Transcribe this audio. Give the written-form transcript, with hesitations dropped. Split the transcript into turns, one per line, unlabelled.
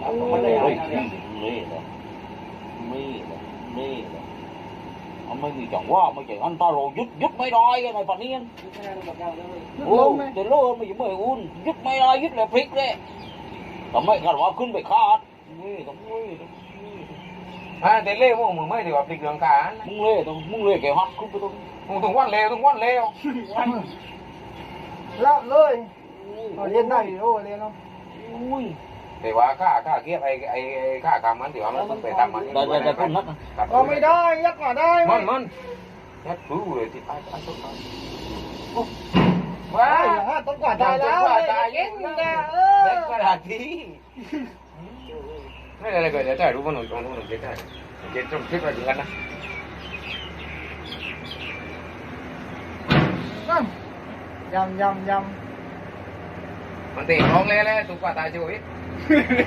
Ông mới bị chọn quá mà chạy anh ta rồi dứt mấy đôi cái này phản nhiên. Từ lúc mà mới uốn dứt mấy đôi dứt là phịch đấy. Tầm mấy cái đóขึ้นไปขาด
แต่เล่พวกมึงไม่ถือว่าพลิกเรื่องการ
มึงเล่แกฮักขึ้นไปตรง
มึงต้องวันเร็ว
ละเลยเรียนได้โอ้เรียนเนาะ
แต่ว่าค่าเกียบไอ้ค่าคำมันถือว่ามันต้องไปทำมัน
ได้คนนัก
ก็ไม่ได้ยักมาได้
มันยัดรู้เลยที่ไปต้น
ว้าต้นกว่าตายแล้ว
ตายเย็นนะเด็กกระดาษทีไม่อะไรก็จะได้รู้ว่าหนุ่มตรงนู้นเจ๊ได้เจ๊ต้องคิดว่าอย่างนั้นนะ
ยำ
มันตีร้องเลยตุ๊กตาชีวิต